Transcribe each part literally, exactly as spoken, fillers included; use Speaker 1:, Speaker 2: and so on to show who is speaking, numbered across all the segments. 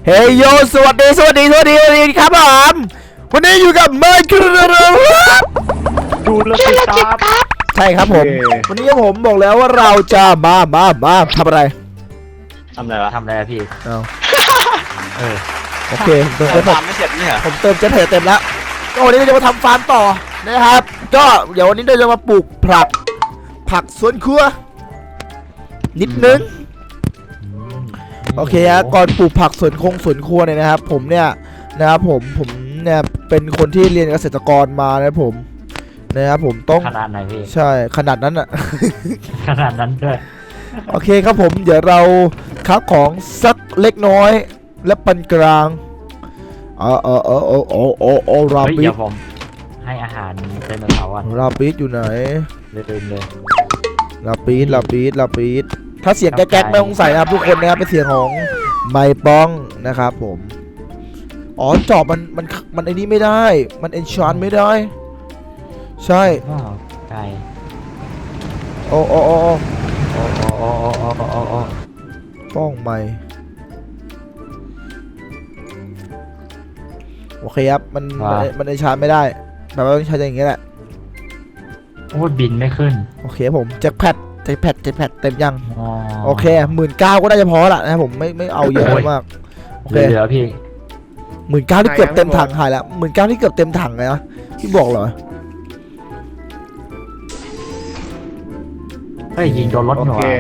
Speaker 1: เฮ้ยโยสวัสดีสวัสดีสวัสดีสวัสดีครับผมวันนี้อยู่กับเมย์คือ
Speaker 2: ดูแลวจิตครับ
Speaker 1: ใช่ครับผมวันนี้ผมบอกแล้วว่าเราจะมามามาทำอะไร
Speaker 2: ทำอะไรวะทำอะไรพี่
Speaker 1: เอา
Speaker 2: เออ
Speaker 1: โอเคเติม
Speaker 2: ฟาร์มไม่เสร็จนี่เหรอ
Speaker 1: ผมเติมเจ็ตเต็มแล้วก็วันนี้เราจะมาทำฟาร์มต่อนะครับก็เดี๋ยววันนี้เราจะมาปลูกผักผักสวนครัวนิดนึงโอเคฮะก่อนปลูกผักสวนคงสวนครัวเนี่ยนะครับผมเนี่ยนะครับผมผมเนี่ยเป็นคนที่เรียนเกษตรกรมานะผมนะครับผมต้อง
Speaker 2: ขนาดไหนพี่
Speaker 1: ใช่ขนาดนั้นอะ
Speaker 2: ขนาดนั้นด้วย
Speaker 1: โอเคครับผมเดี๋ยวเราคับของสักเล็กน้อยและปานกลางเออเออเออเออเออเออเออราบิด
Speaker 2: ผมให้อาหารเป็นเสาร์อ่ะ
Speaker 1: ราบิดอยู่ไหน
Speaker 2: เลยเลย
Speaker 1: ราบิดราบิดราบิดถ้าเสียงแก๊กๆไม่ต้องใส่นะครับทุกคนนะครับเป็นเสียงของไมค์ป้องนะครับผมอ๋อจอบมันมันมันไอ้นี้ไม่ได้มันเอนชานไม่ได้ใช่
Speaker 2: ไก่
Speaker 1: โอ้โอ้โอ้โอ้
Speaker 2: โอ้โอ้โอ้โอ้โอ้โอ้
Speaker 1: ป้องไมค์โอเคครับมันมันเอนชานไม่ได้แบบว่าต้องใช้อย่างเงี้ยแหละ
Speaker 2: โอ้บินไม่ขึ้น
Speaker 1: โอเคผมแจ็คแพดแจ็คแพดแจ็คแพดเต็มยังโอเคหมื่นเก้าก็น่าจะพอละนะผมไม่ไม่เอาเยอะมาก
Speaker 2: โอเคเหลือพี่
Speaker 1: หมื่นเก้าที่เกือบเต็มถังหายแล้วหมื่นเก้าที่เกือบเต็มถังเลยนะที่บอกเหรอ
Speaker 2: เฮ้ยยิงโดนรถหน่อย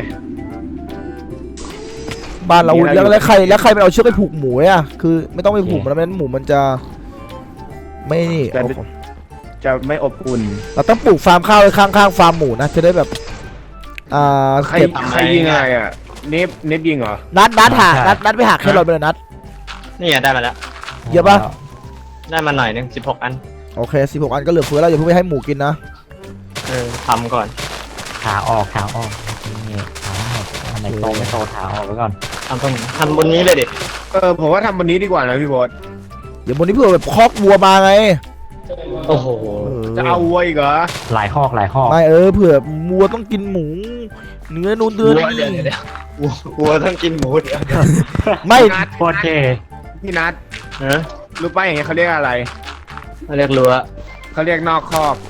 Speaker 1: บ้านเราแล้วแล้วใครแล้วใครไปเอาเชือกไปผูกหมูอ่ะคือไม่ต้องไปผูกมันแล้วหมูมันจะไม่นี่
Speaker 3: จะไม่อบอุ่น
Speaker 1: เราต้องปลูกฟาร์มข้าวข้างๆฟาร์มหมูนะจะได้แบบอ่า
Speaker 3: ใครใครยิงอะไรอ่ะเนฟเนฟยิงเหรอ
Speaker 1: นัดนัดหานัดนัดไปหักแค่รถไปเลยนัด
Speaker 2: นี่ได้มาแล้ว
Speaker 1: เยอะปะ
Speaker 2: ได้มาหน่อยนึงสิบหกอัน
Speaker 1: โอเคสิบหกอันก็เหลือเฟือแล้วอย่าเพิ่งไปให้หมูกินนะ
Speaker 2: เออทำก่อนขาออกขาออกนี่ขาออกอันไหนโตไม่โตขาออกไว้ก่อนทำตรงทำบนนี้เลยดิ
Speaker 3: เออผมว่าทำบนนี้ดีกว่านะพี่บอส
Speaker 1: เดี๋ยวบนนี้เพื่อแบบคอกวัวมาไง
Speaker 3: โอ้โหจะเอาวัวอีกเหรอ
Speaker 2: หลายคอกหลายคอก
Speaker 1: ไม่เออเผื่อวัวต้องกินหมูเนื้อนูนเดือน
Speaker 3: นี่วัวต้องกินหมูเดี๋ยว
Speaker 1: ไม่
Speaker 2: โคตรเท่
Speaker 3: พี่นัทเออรู้ป่ะอย่างเงี้ยเขาเรียกอะไร
Speaker 2: เขาเรียกรั้ว
Speaker 3: เขาเรียกนอกคอก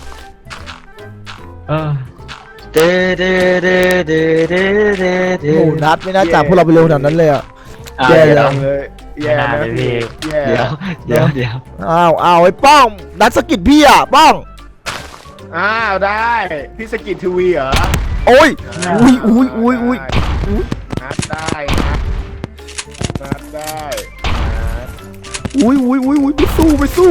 Speaker 2: เออเดเดเดเดเดเดเด
Speaker 1: โอ้นัดไม่น่าจับพวกเราไปเร็วขนาดนั้นเลยอ่ะ
Speaker 3: แย่เลยแย่เลยพี่
Speaker 2: เดี๋ยวเดี๋ยวเดี๋ยว
Speaker 1: อ้าวอ้าวไอ้ป้องนัดสกิดพี่อ่ะป้อง
Speaker 3: อ้าวได้พี่สกิดทีวีเหรอ
Speaker 1: โอ้ยอุ้ยอุ้ยอุ้ยอุ้ย
Speaker 3: นัดได้นัดนัดได้
Speaker 1: อุ้ยอุ้ยอุ้ยอุ้ยไปสู้ไปสู้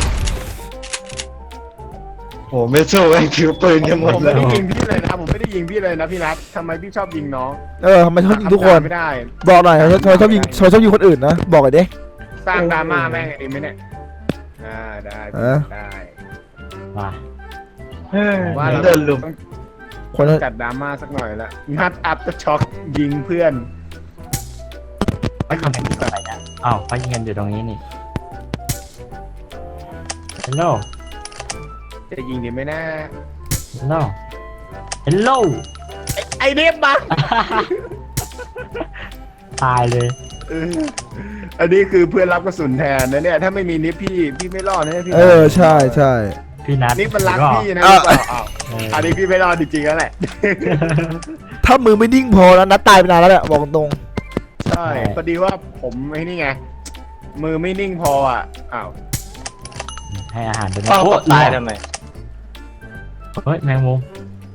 Speaker 2: โอ้ไม่สู้ไอ้คิวปืนกันหมด
Speaker 3: เลยผมไม่ได้ยิงพี่เลยนะผมไม่ได้ยิงพี่เลยนะพี่นัททำไมพี่ชอบยิงน้อง
Speaker 1: เออทำไมชอบยิงทุกคนไม่ได้บอกหน่อยทำไมชอบยิงทำไมชอบยิงคนอื่นนะบอกหน่อยดิ
Speaker 3: สร้างดราม่าแม่งดีไหมเนี่ยอ่าได้ได้
Speaker 2: มา
Speaker 3: ว่าเราเดินลุมคนจัดดราม่าสักหน่อยละนัดอัพจะช็อกยิงเพื่อน
Speaker 2: ไม่ทำแบบนี้อะไรนะอ้าวเขายิงกันอยู่ตรงนี้นี่ฮัลโหล
Speaker 3: จะยิงดีไหมนะ
Speaker 2: ฮัลโหลฮัลโหล
Speaker 3: ไอเดฟบัง
Speaker 2: ตายเลย
Speaker 3: อันนี้คือเพื่อนรับกระสุนแทนนะเนี่ยถ้าไม่มีนิฟพี่พี่ไม่รอดนะพี่
Speaker 1: เออใช่ใช่
Speaker 2: พี่นัท
Speaker 3: นี่มันรักพี่นะอันนี้พี่ไม่รอดจริงๆแล้วแหละ
Speaker 1: ถ้ามือไม่นิ่งพอแล้วนัดตายไปนานแล้วแหละบอกตรง
Speaker 3: ใช่พอดีว่าผมไอ้นี่ไงมือไม่นิ่งพออ่ะอ้าว
Speaker 2: ให้อาหารไปนะโอ้ตายทำไมเฮ้ยแมงมุม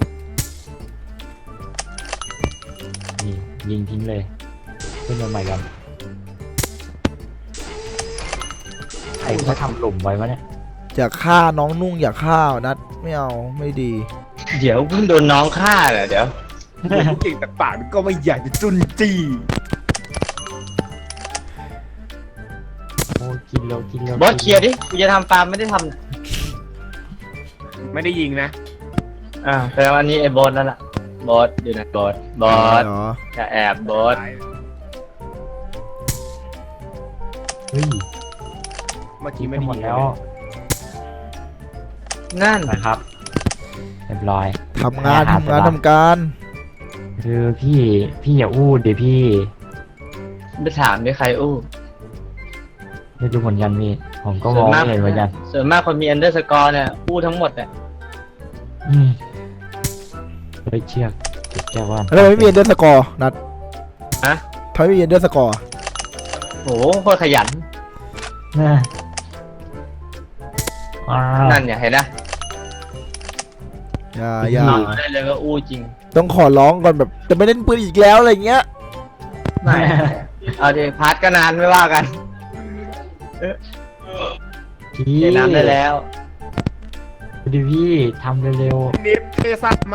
Speaker 2: นี่ยิงทิ้งเลยขึ้นมาใหม่กันใครเขาทำหลุมไว้วะเนี่ย
Speaker 1: อยากฆ่าน้องนุ่งอยากฆ่านัดไม่เอาไม่ดี
Speaker 2: เดี๋ยวเพิ่งโดนน้องฆ่าเหรอเดี๋ยว
Speaker 3: พูดจริงแต่ปากก็ไม่อยากจะจุนจี้
Speaker 2: โอ้กินแล้วกินแล้วบอสเคลียร์ดิกูจะทำฟาร์มไม่ได้ท
Speaker 3: ำไม่ได้ยิงนะ
Speaker 2: อ่าแต่วันนี้ไอ้บอสนั่นแหละบอสอยู่นะบอสบอสจะแอบบอสเฮ้ย
Speaker 3: เมื่อกี้ไม่ได้ยิง
Speaker 2: แล้วนั่นนะครับเรียบร้อย
Speaker 1: ทำงานทำงานทำการ
Speaker 2: คือพี่พี่อย่าอู้ดิพี่ไปถามดิใครอู้ไม่รู้เหมือนกันพี่ผมก็มองไม่เห็นเหมือนกัน
Speaker 4: ส่วนมากคนมีอันเดอร์สกอร์เนี่ยอู้ทั้งหมดเนี่ย
Speaker 2: อืมเฮ้ยเชือกเก็บแก้วว่าน
Speaker 1: แล้วทำไมไม่มีเอนเดอร์สกอร์นัด
Speaker 4: ฮะ
Speaker 1: ทำไมไม่มีเอนเดอร์สกอร์
Speaker 4: โหโคตรขยัน
Speaker 2: น่ะอ้าว
Speaker 4: นั่นเนี่ยเห็นนะ
Speaker 1: อย่าอย่าน
Speaker 4: อนได้เลยก็อู้จริง
Speaker 1: ต้องขอร้องก่อนแบบจะไม่เล่นปืนอีกแล้วอะไรเงี้ย
Speaker 4: ไม่เอาดิพาร์ทก็นานไม่ว่ากัน
Speaker 2: พี่
Speaker 4: เล่นน้ำได้แล้ว
Speaker 2: ดูพี่ทำเร็ว
Speaker 3: นิฟเทซัสมา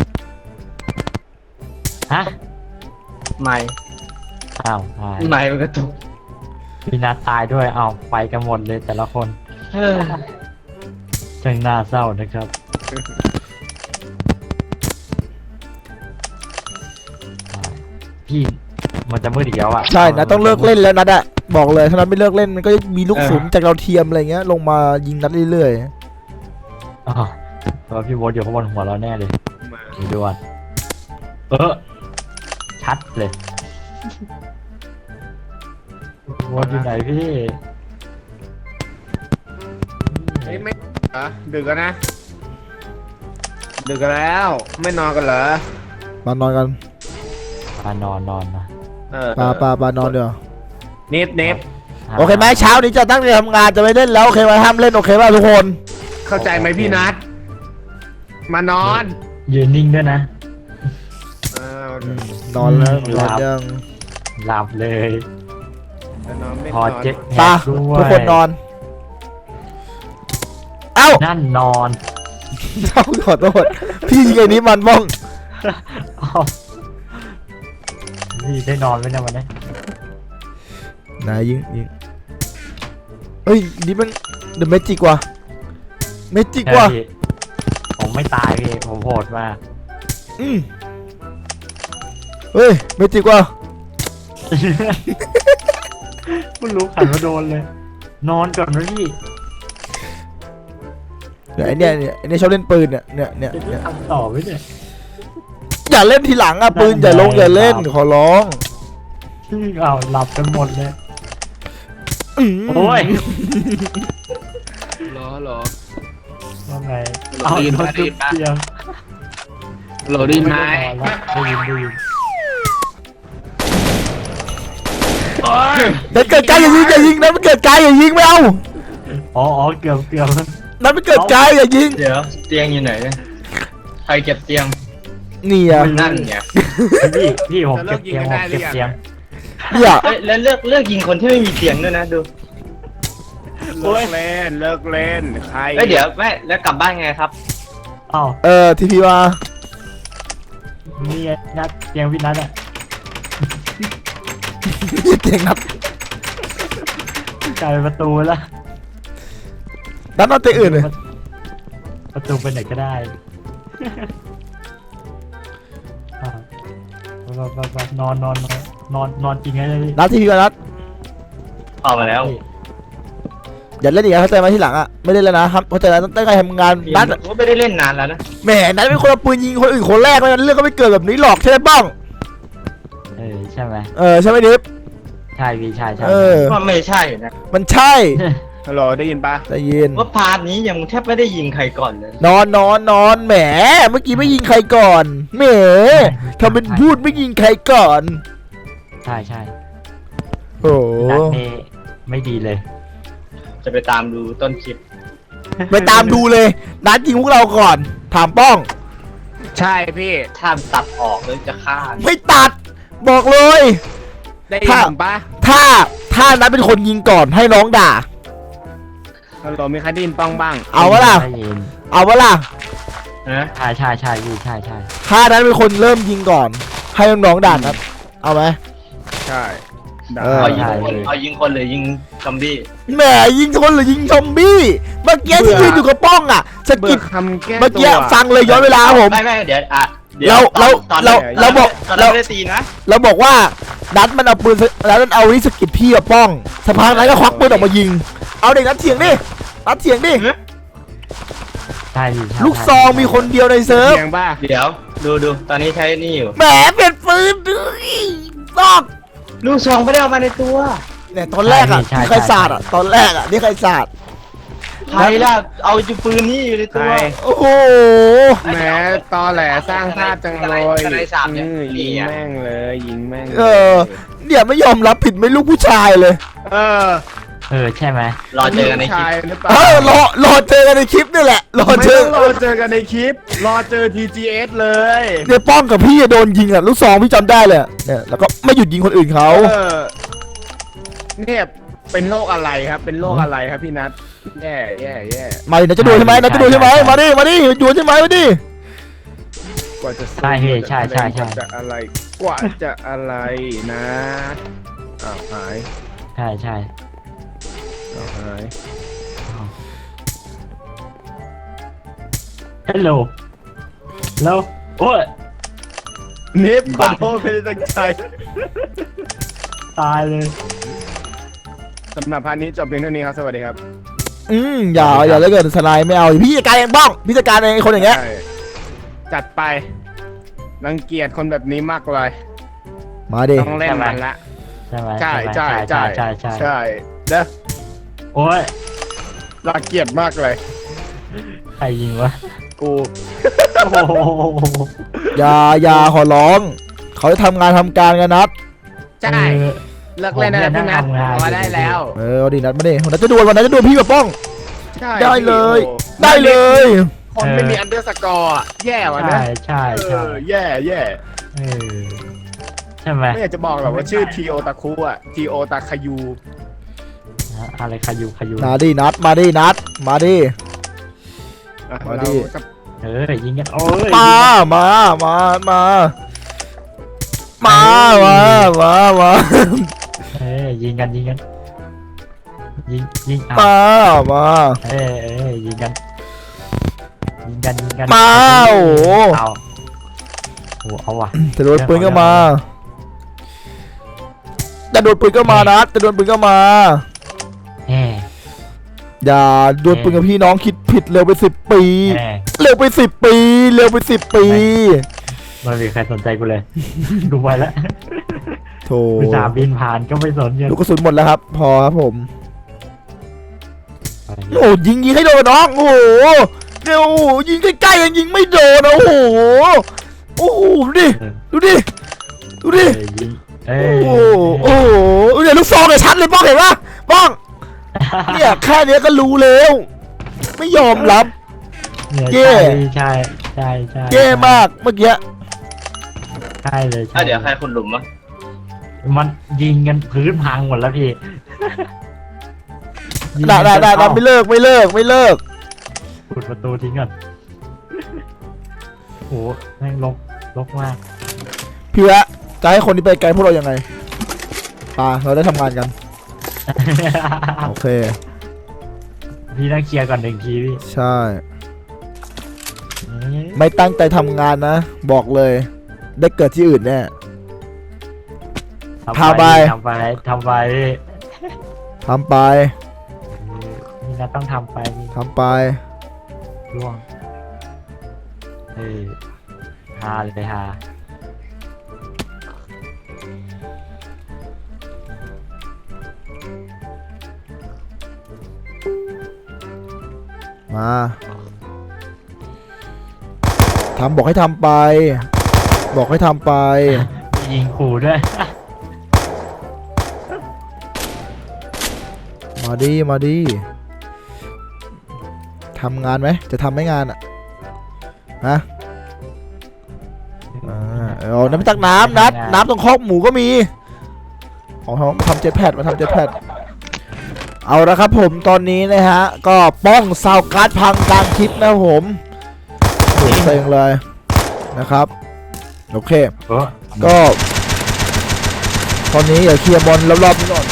Speaker 2: ๆฮะ
Speaker 4: ไม่
Speaker 2: อ้าวตาย
Speaker 4: ไม่มันกระตุก
Speaker 2: พี่นัทตายด้วยเอาไปกันหมดเลยแต่ละคน
Speaker 4: เออ
Speaker 2: จังน่าเศร้านะครับพี่มันจะมืดอีกแล้วอ่ะ
Speaker 1: ใช่นะต้องเลิกเล่นแล้วนัดอะบอกเลยถ้านัดไม่เลิกเล่นมันก็จะมีลูกศุนจากเราวเทียมอะไรเงี้ยลงมายิงนัดเรื่อย
Speaker 2: อ๋อเพราะพี่โบทอยู่ข้างบนหัวเราแน่เลย
Speaker 3: มา
Speaker 2: ดูด่วนเออชัดเลยโบทอยู่ไหนพี่
Speaker 3: เฮ้ยไม่เหรอดึกแล้วนะดึกแล้วไม่นอนกันเหรอ
Speaker 1: ๆมานอนกัน
Speaker 2: ปานอนนอนนะ
Speaker 3: เออ
Speaker 1: ปาปาปานอนเดี๋ยว
Speaker 3: นิฟนิฟ
Speaker 1: โอเคไหมเช้านี้จะตั้งใจทำงานจะไม่เล่นแล้วโอเคไหมห้ามเล่นโอเคป่ะทุกคน
Speaker 3: เข้าใจไหมพี่นัทมานอน
Speaker 2: ยืนนิ่งด้วยนะ
Speaker 3: เออน
Speaker 1: อนแล้ว
Speaker 2: อืม
Speaker 1: นอนยัง
Speaker 2: หลับเลย
Speaker 3: จะนอนไม่
Speaker 2: พอน
Speaker 3: อน
Speaker 2: เจ็บแห
Speaker 1: ปาก
Speaker 2: ด้วย
Speaker 1: ทุกคนนอน เอ้า
Speaker 2: นั่นนอน
Speaker 1: เอ้าขอโทษพี่ยิงไอ้นี้มันบ้อง
Speaker 2: เอ้าพี่ได้นอนไหมเนี่ยวันนี้
Speaker 1: นายยิงยิงเอ้ยนี่มันเดอะเมจิกว่ะเมจิกว่ะ
Speaker 2: ใช่พี่ผมไม่ตายพี่ผมโหดมาก
Speaker 1: อืมเฮ้ยเมจิกว่ะ
Speaker 2: ไม่รู้ขันมาโดนเลย นอนก่อนนะพี่
Speaker 1: เนี่ยไอเนี่ยเนี่ยไอเนี่ยชอบเล่นปืนเนี่ยเนี่ยเนี่ย
Speaker 2: จะ
Speaker 1: เนี่ย
Speaker 2: ทำต่อไหมเนี่ย
Speaker 1: อย่าเล่นทีหลังอ่ะปืนอย่าลงอย่าเล่นขอร้อง
Speaker 2: เอาหลับกันหมดเลย
Speaker 1: อืม
Speaker 2: โอ้ย
Speaker 3: รอรอ
Speaker 2: ว่าไง
Speaker 3: โหลด
Speaker 2: เอา
Speaker 3: ได้ยิน
Speaker 2: ร
Speaker 3: ปะ
Speaker 2: ถจุดเตียง
Speaker 3: โหลดได้ไหม
Speaker 2: ได้ยินได้ยิน
Speaker 1: แต่เกิดการอย่ายิงอย่ายิงนะมันเกิดการอย่ายิงไม่เอา
Speaker 2: อ๋ออ๋อเกือบเกือบ
Speaker 1: นั่นมันเกิดการอย่ายิง
Speaker 4: เดี๋ยวเตียงอยู่ไหนเนี่ยใครเก็บเตียง
Speaker 1: นี่อ่ะ
Speaker 4: นั่นเนี่ย
Speaker 2: พี่พี่ผมเก็บเตียงผมเก็บเตียง
Speaker 1: เนี่ย
Speaker 4: เอ้ยแล้วเลือกเลือกยิงคนที่ไม่มีเตียงด้วยนะดู
Speaker 3: เลิกเล่นเลิกเล่นใคร
Speaker 4: เอ้ยเดี๋ยวแม่แล้วกลับบ้านไงครับ
Speaker 2: อ้าว
Speaker 1: เออทีพีมา
Speaker 2: นี่ไงนัดเตียงพี่นัดอะ
Speaker 1: เตียงนัด
Speaker 2: กลายเป็นประตูแล้ว
Speaker 1: นัดนอนเตียงอื่นเลย
Speaker 2: ประตูไปไหนก็ได้อ่าไปไปไปนอนนอนนอนนอนนอนจริงไงเลยพี่
Speaker 1: นัดทีพีมานัด
Speaker 4: ออกมาแล้ว
Speaker 1: อย่าเล่นอีกนะเข้าใจไหมทีหลังอ่ะไม่เล่นแล้วนะครับเข้าใจแล้วตั้งใจทำงานนัด
Speaker 4: ผมก็ไม่ได้เล่นนานแล้วนะ
Speaker 1: แหมนัดเป็นคนเอาปืนยิงคนอื่นคนแรกเลยเรื่องก็ไม่เกิดแบบนี้หรอกใช่ไหมป้อง
Speaker 2: เออใช่ไหม
Speaker 1: เออใช่ไหมดิฟ
Speaker 2: ใช่พี่ใช่ใช่
Speaker 1: เออ
Speaker 4: ว่าไม่ใช่นะ
Speaker 1: มันใช่
Speaker 3: ฮัลโหลได้ยินปะ
Speaker 1: ได้ยิน
Speaker 4: ว่าพาร์ทนี้ยังแทบไม่ได้ยิงใครก่อนเลย
Speaker 1: นอนนอนนอนแหมเมื่อกี้ไม่ยิงใครก่อนแหมทำเป็นพูดไม่ยิงใครก่อน
Speaker 2: ใช่ใช่
Speaker 1: โอ้โห
Speaker 2: นัดเนไม่ดีเลย
Speaker 4: จะไปตามดูต้นคลิป
Speaker 1: ไปตามดูเลยนัดยิงพวกเราก่อนถามป้อง
Speaker 3: ใช่พี่
Speaker 4: ถ้าตัดออกเลยจะฆ่า
Speaker 1: ไม่ตัดบอกเลย
Speaker 3: ได้ยิน
Speaker 1: ถ้า
Speaker 3: ผมปะ
Speaker 1: ถ้าถ้านัดเป็นคนยิงก่อนให้น้องด่า
Speaker 3: ฮัลโหลมีใครได้ยินป้องบ้าง
Speaker 1: เอาวะล่ะ
Speaker 2: ได้ยิน
Speaker 1: เอาวะล่ะ
Speaker 4: นะ
Speaker 2: ใช่ใช่ใช่พี่ใช่ใช่
Speaker 1: ถ้านัดเป็นคนเริ่มยิงก่อน ให้น้องๆด่านัดเอาไหม
Speaker 3: ใช่ได้
Speaker 1: เออ
Speaker 4: เอายิงคนเอายิงคนหรือยิงซอมบี้
Speaker 1: แหมยิงคนหรือยิงซอมบี้เมื่อกี้ที่ยืนอยู่กับป้องอ่ะสะ
Speaker 3: เบื่
Speaker 1: กิ
Speaker 3: อ
Speaker 1: ด
Speaker 3: คำแก้
Speaker 1: เมื่อ
Speaker 3: ตั
Speaker 1: กี้
Speaker 3: ว
Speaker 1: ฟังเลยย้อนเวลาครับผม
Speaker 4: ไม่ไม่เดี๋ยวอ่ะดี๋ยว
Speaker 1: เราเรา
Speaker 4: ตอน
Speaker 1: เรา
Speaker 4: ตอน
Speaker 1: เราบอก
Speaker 4: ตอน
Speaker 1: เรา
Speaker 4: นั้นไม่ได้ตีนะ
Speaker 1: เราบอกว่านัดมันเอาปืนแล้วนัดเอาวิสกิดพี่กับป้องสะพานนั้นก็ควักปืนออกมายิง เอาเด็กนัดเถียงดินัดเถียงดิ
Speaker 2: ใช่พี่ใช่
Speaker 1: ลูกซองมีคนเดียวในเซิร์ฟ
Speaker 3: เสียงป่ะ
Speaker 4: เดี๋ยวดูดูตอนนี้ใช้นี่อยู่
Speaker 1: แหมเปลี่ยนปืนด้วยต้อง
Speaker 4: ลูกซองไม่ได้เอามาในตัว
Speaker 1: เนี่ยตอนแรกอ่ะนี่ใครสาดอ่ะตอนแรกอ่ะนี่ใครสาด
Speaker 4: ใครล่ะเอาจุปืนนี่อยู่ใน
Speaker 3: ใค
Speaker 4: ตั
Speaker 3: ร
Speaker 4: ว
Speaker 1: โอ้โห
Speaker 3: แหมตอแหลสร้างภาพจังเลย
Speaker 4: สไนด์สามเนี่ย
Speaker 3: อืมยิงแม่งเลยยิงแม่งลย
Speaker 1: เออเนี่ยไม่ยอมรับผิดไม่ลูกผู้ชายเลย
Speaker 3: เออ
Speaker 2: เออใช่ไหม
Speaker 4: รอเจอกันในคลิป
Speaker 3: ชายหรือเปล่า
Speaker 1: เออรอรอเจอกันในคลิปนี่แหละรอ
Speaker 3: ไม่
Speaker 1: เจ
Speaker 3: ต้
Speaker 1: อ
Speaker 3: องรอเจอกันในคลิป รอเจอ ที จี เอส เลย
Speaker 1: เนี่ยป้องกับพี่โดนยิงอ่ะลูกซองพี่จำได้เลยอะเนี่ยแล้วก็ไม่หยุดยิงคนอื่นเขา
Speaker 3: เออเนี่ยเป็นโรคอะไรครับ เป็นโรคอะไรครับพี่นัทแย่แย่แย่
Speaker 1: มาดินะจะดูใช่ไหมนะจะดูใช่ไหมมาดิมาดิอยู่ใช่ไหมมาดิ
Speaker 3: กว่าจะสู้
Speaker 2: ใช่พี่ใช่ใช่ใช่
Speaker 3: กว่าจะอะไรกว่าจะอะไรนะอ้าวหาย
Speaker 2: ใช่ใช่
Speaker 3: อ้าวหาย
Speaker 2: ฮัลโหลแล้วโอ้ย
Speaker 3: นิฟขอโทษไม่ได้ตั้งใจ
Speaker 2: ตายเลย
Speaker 3: สำหรับพาร์ทนี้จบเพียงเท่านี้ครับ สวัสดีครับ
Speaker 1: อืมอย่าอย่าเลยเกินสไนด์ไม่เอาพี่จัดการเองป้องพี่จัดการเองไอ้คนอย่างเงี้ย
Speaker 3: ใช่จัดไป รังเกียจคนแบบนี้มากเลย
Speaker 1: มาดิ
Speaker 3: ต้องเล่นมันละ
Speaker 2: ใช่ไหม
Speaker 3: ใช่
Speaker 2: ไหม
Speaker 3: ใช่
Speaker 2: ใช่
Speaker 3: ใช่
Speaker 2: ใช่ใช่
Speaker 3: ใช่เด้อ
Speaker 2: โอ้ย
Speaker 3: รังเกียจมากเลย
Speaker 2: ใครยิงวะ
Speaker 3: กู
Speaker 2: โอ้โห
Speaker 1: อย่าอย่าขอร้องเขาจะทำงานทำการกันนัด
Speaker 3: ใช่เลิกเล่นนะพี่นัทพอได้แล้ว
Speaker 1: เออเอาดินัดมาดิวันนั้นจะดวลวันนั้นจะดวลพี่กับป้อง
Speaker 3: ใช่
Speaker 1: ได้เลย
Speaker 3: โอ้
Speaker 1: ได้เลย
Speaker 3: คนไม่มีอันเดอร์สกอร์อะแย่ว่ะนะ
Speaker 2: ใช่ใช่
Speaker 3: เอ
Speaker 2: ใช่
Speaker 3: อแย่แย่
Speaker 2: เออใช่ไหม
Speaker 3: ไม่อยากจะบอกหรอกว่าชื่อทีโอตาคุอะทีโอตาคายู
Speaker 2: อะไรขยูขยู
Speaker 1: มาดินัดมาดินัดมาดิ
Speaker 3: อ่ะ
Speaker 1: มาดิ
Speaker 3: เราจะ
Speaker 2: เออยิงกันโอ้ย
Speaker 1: มามามามามามามามา
Speaker 2: เออยิงกันยิงกันยิงยิง
Speaker 1: มามา
Speaker 2: เออเออยิงกันยิงกันยิงกัน
Speaker 1: มาโอ้โห
Speaker 2: เอาโอ้เอาว่ะ
Speaker 1: จะโดนปืนก็มาจะโดนปืนก็มานัดจะโดนปืนก็มา
Speaker 2: แหม
Speaker 1: อย่าโดนปืนกับพี่น้องคิดผิดเร็วไปสิบปี
Speaker 2: แหม
Speaker 1: เร็วไปสิบปี เร็วไปสิบปี
Speaker 2: ไม่มีใครสนใจกูเลย ดูไปแล้ว
Speaker 1: โถ
Speaker 2: อุตส่าห์บินผ่านก็ไม่สนเงิน
Speaker 1: ลูกกระสุนหมดแล้วครับ พอครับผม โอ้ยิงยิงให้โดนน้อง โอ้โหเดี๋ยวโอ้โหยิงใกล้ๆยังยิงไม่โดนนะโอ้โห โอ้โหดูดิ ดูดิ ดูดิ
Speaker 2: เออยิงเอ
Speaker 1: โอ้
Speaker 2: อ
Speaker 1: โห โอ้โหเนี่ยลูกซองเนี่ยชัดเลยป้องเห็นปะป้อง เนี่ยแค่เนี้ยก็รู้แล้ว ไม่ยอมรับ
Speaker 2: เนี่ย
Speaker 1: เย่
Speaker 2: ใช่ใช่ใช่
Speaker 1: แย่มากเมื่อกี้
Speaker 2: ใช่เลยใช่
Speaker 4: อ่ะเดี๋ยวใครคุณหลุมวะ
Speaker 2: มันยิงกันพื้นพังหมดแล้วพี่ยิง
Speaker 1: ได้ได้ได้
Speaker 2: จน
Speaker 1: ได้
Speaker 2: เข้า
Speaker 1: ไม่เลิกไม่เลิกไม่เลิก
Speaker 2: ปิดประตูทิ้งก่อนโอ้โหแม่งลกลกมาก
Speaker 1: พี่วะจะให้คนที่ไปไกลพวกเรายังไงอ่าเราได้ทำงานกัน โอเค
Speaker 2: พี่ต้องเคลียร์ก่อนหนึ่งทีพี่
Speaker 1: ใช่ ไม่ตั้งใจทำงานนะ บอกเลย ได้เกิดที่อื่นแน่
Speaker 2: ทำ
Speaker 1: พาไป
Speaker 2: ทำไปทำไปพี่
Speaker 1: ทำไป
Speaker 2: นี่นะต้องทำไปพี่
Speaker 1: ทำไป
Speaker 2: ร่วงเออฮาเลยฮา
Speaker 1: มาทำบอกให้ทำไป บอกให้ทำไป
Speaker 2: ยิงขู่ด้วย
Speaker 1: มาดิมาดิทำงานไหมจะทำไหมงานอ่ะฮะอ่าเอาน้ำตักน้ำนัดน้ำตรงคอกหมูก็มีเอาเขามาทำเจ็ตแพดมาทำเจ็ตแพดเอาละครับผมตอนนี้นะฮะก็ป้องซาวการ์ดพังกลางคลิปนะครับผมโหเซ็งเลยนะครับโอเค
Speaker 2: โอ้
Speaker 1: ก็ ตอนนี้อย่าเคลียร์บอลรอบๆนี้ก่อน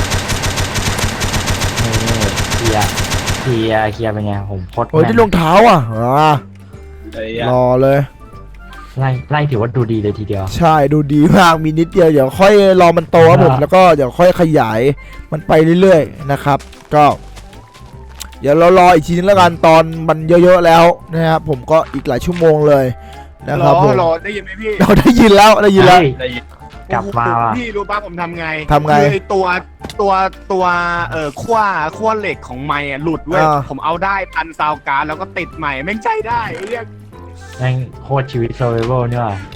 Speaker 2: เคลียร์เคลียร์เคลียร์เป็นไงผมโคตร
Speaker 1: โอ้ย
Speaker 2: แม่น
Speaker 1: ที่รองเท้าอ่ะอ่า
Speaker 4: เอ้ย
Speaker 1: รอเลย
Speaker 2: ไล่ไล่ถือว่าดูดีเลยทีเดียว
Speaker 1: ใช่ดูดีมากมีนิดเดียวเดี๋ยวค่อยรอมันโตครับผม
Speaker 2: อ่า
Speaker 1: แล้วก็เดี๋ยวค่อยขยายมันไปเรื่อยๆนะครับ ก็ เดี๋ยวเรารออีกทีนึงแล้วกันตอนมันเยอะๆแล้วนะครับผมก็อีกหลายชั่วโมงเลยนะ
Speaker 3: ร
Speaker 1: ครับ
Speaker 3: อ
Speaker 1: ผม
Speaker 3: รอได้ยินไหมพี่
Speaker 1: เราได้ยินแล้วได้ยินแล้ว
Speaker 2: เฮ้ย
Speaker 4: ได้ยิน
Speaker 2: กลับมาว่ะ
Speaker 3: พี่รู้ป่ะผมทำไง
Speaker 1: ทำไง
Speaker 3: คือไอตัวตัวตัวเอ่อขั้วขั้วเหล็กของไม้อะหลุดเว้ย
Speaker 1: อ่า
Speaker 3: ผมเอาได้พันซาวการ์ดแล้วก็ติดใหม่แม่งใช้ได้ไอ้เรียก
Speaker 2: แม่งโคตรชีวิตโซเวอร์นี่ว่ะ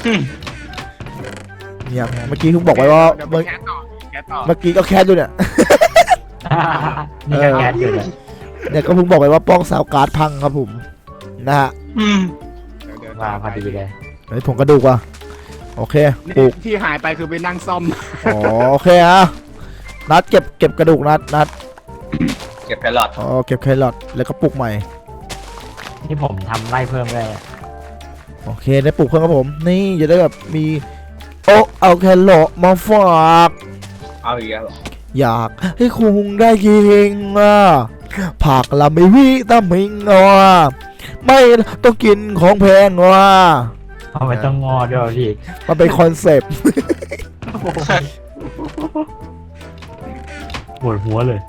Speaker 1: เนี่ยเมื่อกี้เพิ่งบอกไว้ว่า
Speaker 3: เดี๋ยวไป
Speaker 1: เมื่อ
Speaker 3: แคสต่อแคสต่อ
Speaker 1: เมื่อกี้ก็แคสอยู่เนี่ย
Speaker 2: นี่ก็แก๊สอยู่เลย
Speaker 1: เนี่ยก็เพิ่งบอกไปว่าป้องสาวการ์ดพังครับผมนะฮะ
Speaker 3: เดี๋ยวเดี๋ยว
Speaker 2: มาพอดีเลย
Speaker 1: เฮ้ยผมกระดูกว่ะโอเคปลู
Speaker 3: นี่
Speaker 1: ก
Speaker 3: ที่หายไปคือไปนั่งซ่อม
Speaker 1: อ๋อโอเคฮะนัดเก็บเก็บกระดูกนัดนัด
Speaker 4: เก็บแครอท
Speaker 1: อ๋อเก็บแครอทแล้วก็ปลูกใหม่
Speaker 2: ที่ผมทำไร่เพิ่มเลย
Speaker 1: โอเคได้ปลูกเพิ่มครับผมนี่จะได้แบบมีโอ้เอาแครอทมาฝาก
Speaker 4: เอาอีกแล้วเหรอ
Speaker 1: อยากให้คุณได้กินอ่ะผักละไม่วิตามินอ่ะไม่ต้องกินของแพงอ่ะ
Speaker 2: ทำไมต้องงอด้วยวะพี่
Speaker 1: มันเป็นคอนเซปต์
Speaker 2: ปวดหัวเลย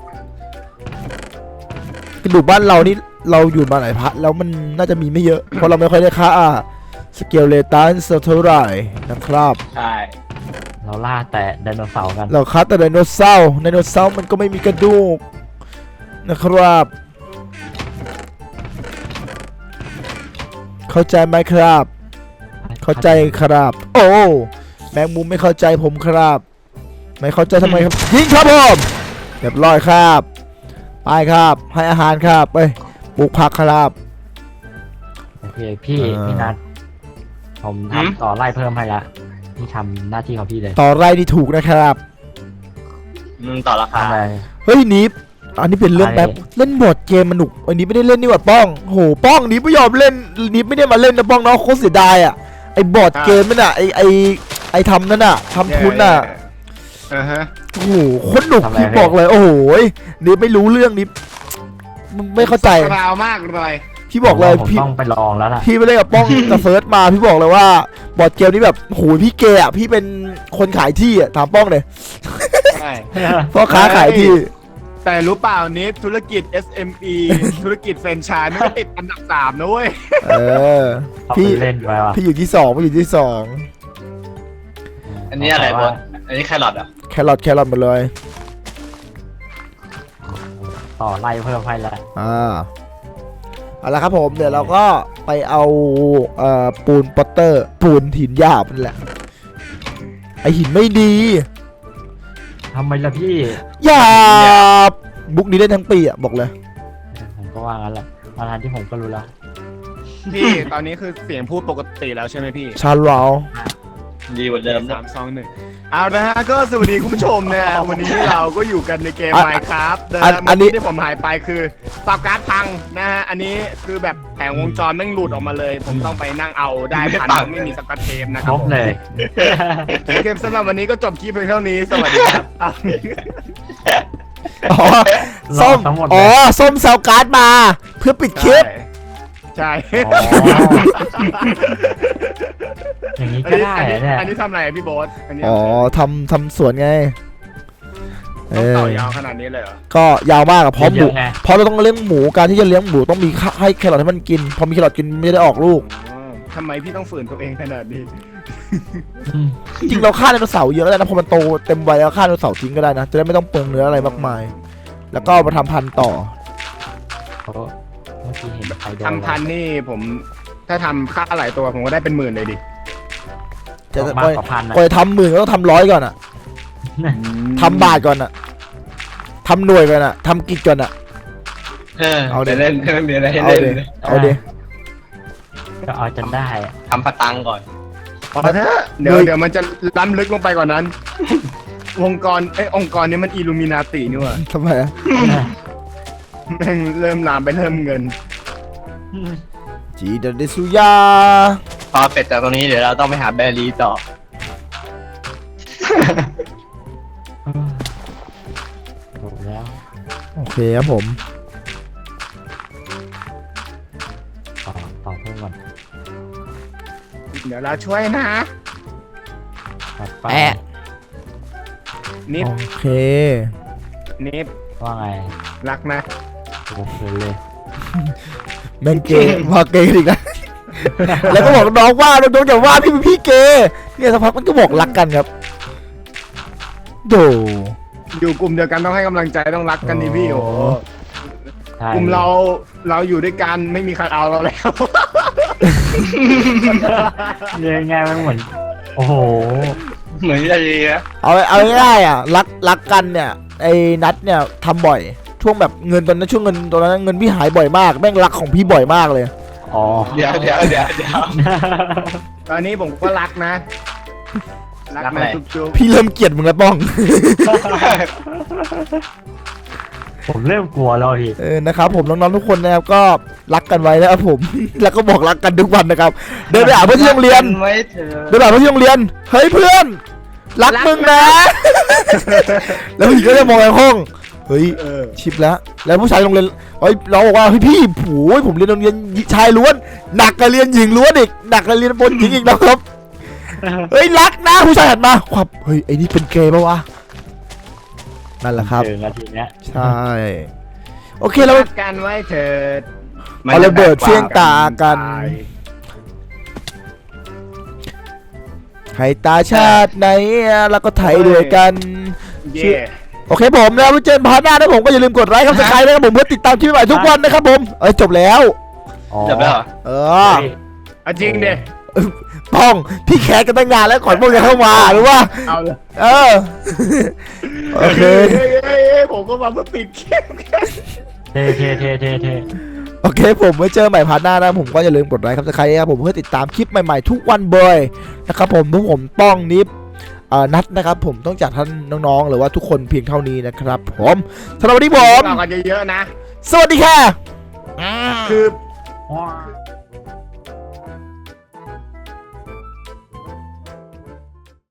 Speaker 1: กระดูกบ้านเรานี่เราอยู่มาหลายพัทแล้วมันน่าจะมีไม่เยอะ เพราะเราไม่ค่อยได้ค่าสเกลเลตันสักเท่าไหร่นะครับ
Speaker 4: ใช่
Speaker 2: เราล่าแต่ไดโนเสาร์กัน
Speaker 1: เราคัดแต่ไดโนเสาร์ไดโนเสาร์มันก็ไม่มีกระดูกนะครับ เข้าใจไหมครับ เข้าใจครับ โอ้แมงมุมไม่เข้าใจผมครับ ไม่เข้าใจทำไมครับยิงครับผมเรียบร้อยครับไปครับให้อาหารครับไปปลูกผักครับ
Speaker 2: โอเคพี่
Speaker 1: อ่า
Speaker 2: พี่นัทผมทำต่อไร่เพิ่มให้ละนี่ทำหน้าที่ของพี่เลย
Speaker 1: ต่อไร่นี่ถูกนะครับ
Speaker 4: มึงต่อราคา
Speaker 2: ทำอะไร
Speaker 1: เฮ้ยนิฟอันนี้เป็นเรื่อง
Speaker 2: อะไร
Speaker 1: แป๊บเล่นบอร์ดเกมมันหนุกอันนี้ไม่ได้เล่นนี่หว่าป้องโหป้องนิฟไม่ยอมเล่นนิฟไม่ได้มาเล่นนะป้องเนาะโคตรเสียดายอ่ะไอ้บอร์ดเกมนั่นน่ะไอ้ไอ้ไอ้ทำนั่นน่ะทำทุนน่ะ
Speaker 3: อ่าฮะ
Speaker 1: โอ้โหโคตรหนุกพี่บอกเลยโอ้โหนิฟไม่รู้เรื่องนิฟไม่เข้าใจ
Speaker 3: ราวมากเลย
Speaker 1: พี่บอกเลย
Speaker 2: ผม
Speaker 1: พี่
Speaker 2: ต้องไปลองแล้วล่ะ
Speaker 1: พี่ไปเล่นกับป้องกับเฟิร์สมาพี่บอกเลยว่าบอร์ดเกมนี้แบบโหพี่เกย์อ่ะพี่เป็นคนขายที่อ่ะถามป้องเลย
Speaker 3: ใช่
Speaker 1: พ่อค้าขายที่
Speaker 3: แต่รู้เปล่านี้ธุรกิจ เอส เอ็ม อี ธุรกิจแฟรนไชส์ไม่ก็ติดอันดับสามนะเว้ย
Speaker 1: เออ
Speaker 2: เอาไป
Speaker 1: พี่
Speaker 2: เล่นไปว่ะ
Speaker 1: พี่อยู่ที่สองพี่อยู่ที่สอง
Speaker 4: อันนี้อะไรบอสอันนี้แครอทเหรอ่ะ
Speaker 1: แครอทแครอทหมดเลย
Speaker 2: ต่อไร่เพิ่มให้ละ
Speaker 1: อ่าเอาละครับผมเดี๋ยวเราก็ไปเอาเอ่อปูนปอตเตอร์ปูนหินหยาบนั่นแหละไอหินไม่ดี
Speaker 2: ทำไมล่ะพี่
Speaker 1: หยาบบุ๊กนี้เล่นทั้งปีอ่ะบอกเลย
Speaker 2: ผมก็ว่างั้นแหละตอนนั้นที่ผมก็รู้แล้ว
Speaker 3: พี่ตอนนี้คือเสียงพูดปกติแล้วใช่ไหมพี่
Speaker 1: ชาร์ลาว
Speaker 4: ดีกว่าเดิมนะ
Speaker 3: สามสองหนึ่งเอานะฮะก็สวัสดีคุณผู้ชมนะฮะวันนี้เราก็อยู่กันในเกม Minecraft นะฮะเมื่อกี้ที่ผมหายไปคือซาวการ์ดพังนะฮะอันนี้คือแบบแผงวงจรแม่งหลุดออกมาเลย ผมต้องไปนั่งเอาได้พันหนึ่งไม่มีสกัดเทปนะค
Speaker 2: ครับ รบเลย
Speaker 3: เกมสำหรับวันนี้ก็จบคลิปเพียงเท่านี้สวัสดีครับอ้าว
Speaker 1: อ๋อส้ม
Speaker 2: ทั้งหมดเลย
Speaker 1: อ๋อส้มซาวการ์ดมา เพื่อปิดคลิป
Speaker 3: ใช่
Speaker 2: อ๋ออย่างนี้
Speaker 3: อัน
Speaker 2: ก็
Speaker 3: นี้
Speaker 2: ได้
Speaker 3: อัน
Speaker 2: เหร
Speaker 3: นี้
Speaker 2: อเนี่ย
Speaker 3: อันนี้ทำอะไรพี่โบ๊ทอันนี้
Speaker 1: อ๋อทำทำสวนไงเอ
Speaker 3: ต้อง
Speaker 1: อ
Speaker 3: ต่อยาวขนาดนี้เลยเหรอ
Speaker 1: ก็ยาวมากอะเพราะห
Speaker 2: เย
Speaker 1: มู
Speaker 2: อะไง
Speaker 1: เพราะเราต้องเลี้ยงหมูการที่จะเลี้ยงหมูต้องมีค่าให้แครอทให้มันกิน พอมีแครอทกินมันจะได้ออกลูก
Speaker 3: อ๋อทำไมพี่ต้องฝืนตัวเองขนาดนี้
Speaker 2: อืม
Speaker 1: จริงๆเราฆ่าไดโนเสาร์เยอะแล้วนะพอมันโตเต็มวัยแล้วฆ่าไดโนเสาร์ทิ้งก็ได้นะจะได้ไม่ต้องเปลืองเนื้ออะไรมากมาย แล้วก็เอามาทำพันธุ์ต่อ
Speaker 2: โอ้เมื่อกี้เห็นใครโดน
Speaker 3: ทำพันนี่ผมถ้าทำค่าหลายตัวผมก็ได้เป็นหมื่นเลยดิ
Speaker 1: จะ
Speaker 2: มากกว่าพันนะ
Speaker 1: ก่อนจะทำหมื่นก็ต้องทำร้อยก่อนอะทำบาทก่อนอะทำหน่วยก่อนอะทำกิจก่อนอะ
Speaker 4: เออ
Speaker 1: เอาดิ
Speaker 4: เดี๋ยวเล่นเล่นเดี๋ยวเล่น
Speaker 1: เอา
Speaker 4: เล่น
Speaker 1: เดเอาเด
Speaker 2: ก็เอาจนได้อะ
Speaker 4: ทำพตังก่อน
Speaker 3: พอเถอะเดี๋ยวเดี๋ยวมันจะล้ำลึกลงไปกว่านั้น วงกรเอ้ยองค์กรนี้มันอิลูมินาตินี่หว่า
Speaker 1: ทำไมอะ
Speaker 3: แม่งเริ่มลามไปเริ่มเงิน
Speaker 1: จีเดเดซุยา
Speaker 4: พอเป็ดจากตรงนี้เดี๋ยวเราต้องไปหาแบรี่ต่อ
Speaker 2: ถูกแล้ว
Speaker 1: โอเคครับผม
Speaker 2: ต่อต่อเพิ่มก่อน
Speaker 3: เดี๋ยวเราช่วยนะ
Speaker 2: ตัดไป
Speaker 1: แอะ
Speaker 3: นิด
Speaker 1: โอเค
Speaker 3: นิด
Speaker 2: ว่าไง
Speaker 3: รักนะ
Speaker 2: โอเคเลย
Speaker 1: แม่งเกย์ ว่าเกย์อีกแล้ว แล้วก็บอกน้องว่าน้องๆอย่าว่าพี่เป็นพี่เกย์เนี่ยสักพักมันก็บอกรักกันครับโด
Speaker 3: อยู่กลุ่มเดียวกันต้องให้กำลังใจต้องรักกันนี่พี่โอ้โห
Speaker 2: ใช่
Speaker 3: กลุ่มเราเราอยู่ด้วยกันไม่มีใครเอาเราแล้ว
Speaker 2: เรียกง่ายมันเหมือนโอ้โห
Speaker 4: เหมือนจะดีนะ
Speaker 1: เอาเอาง่ายๆอ่ะรักรักกันเนี่ยไอ้นัทเนี่ยทำบ่อยช่วงแบบเงินตอนนั้นช่วงเงินตอนนั้นเงินพี่หายบ่อยมากแม่งรักของพี่บ่อยมากเลย
Speaker 2: อ๋อ
Speaker 4: เดี๋ยวเดี๋ยวเดี๋ยวเดี๋ยว
Speaker 3: ตอนนี้ผมก็รักนะ รัก
Speaker 4: รักอะ
Speaker 3: นะ
Speaker 4: ไร
Speaker 3: จุ๊บ
Speaker 1: พี่เริ่มเกลียดมึงแล้วป้อง
Speaker 2: ผมเริ่มกลัวแล้วพี่
Speaker 1: เออนะครับผมน้องๆทุกคนนะครับก็รักกันไว้นะครับผม แล้วก็บอกรักกันทุกวันนะครับเดินไปหาเพื่อนที่โรงเรียน
Speaker 4: ไว้เถอะ
Speaker 1: เดินไปหาเพื่อนที่โรงเรียนเฮ้ยเพื่อนรักมึงนะ แล้วผู้หญิงก็จะมองในห้องเฮ้ย
Speaker 3: ๆเออ
Speaker 1: ชิปแล้วแล้วผู้ชายโรงเรียนเฮ้ยน้องบอกว่าเฮ้ยพี่โอ้ยผมเรียนโรงเรียนชายล้วนหนักกว่าเรียนหญิงล้วนอีกหนักกว่าเรียนบนหญิงอีกนะครับเฮ้ยรักนะผู้ชายหันมาขวับเฮ้ยไอ้นี่เป็นเกย์ปะวะนั่นแหละครับ
Speaker 2: เจอนาทีเนี้ย
Speaker 1: ใช่โอเคแล้ว
Speaker 3: รักกันไว้เถิด
Speaker 1: เอาระเบิดเฟี้ยงตากัน ให้ตาชาติไหนแล้วก็ไถด้วยกัน
Speaker 3: เย่
Speaker 1: โอเคผมนะไว้เจอกันพาร์ทหน้านะผมก็อย่าลืมกดไลค์ครับสไครต์นะครับผมเพื่อติดตามคลิปใหม่ทุกวันนะครับผมเอ้ยจบแล้ว
Speaker 2: อ๋อ
Speaker 4: จบแล้วเหรอ
Speaker 1: เออ
Speaker 3: เอาจริงดิ
Speaker 1: ป้องพี่แคสกันตั้งนานแล้วก่อนพวกจะเข้ามาหรือว่า
Speaker 3: เอาเลย
Speaker 1: เออโอเค
Speaker 3: เฮ้ยเฮ้ยเฮ้ยผมก็มาเพื่อปิดเกม
Speaker 2: เทเทเทเทเท
Speaker 1: โอเคผมไว้เจอใหม่พาร์ทหน้านะผมก็อย่าลืมกดไลค์ครับสไครต์ครับผมเพื่อติดตามคลิปใหม่ๆทุกวันเบยนะครับผมพวกผมป้องนิฟเอ่อนัดนะครับผมต้องจากท่านน้องๆหรือว่าทุกคนเพียงเท่านี้นะครับผมสำหรับวันนี้ผม
Speaker 3: เรากันเยอะๆนะ
Speaker 1: สวัสดีค่ะ
Speaker 3: คือ
Speaker 2: ว้าว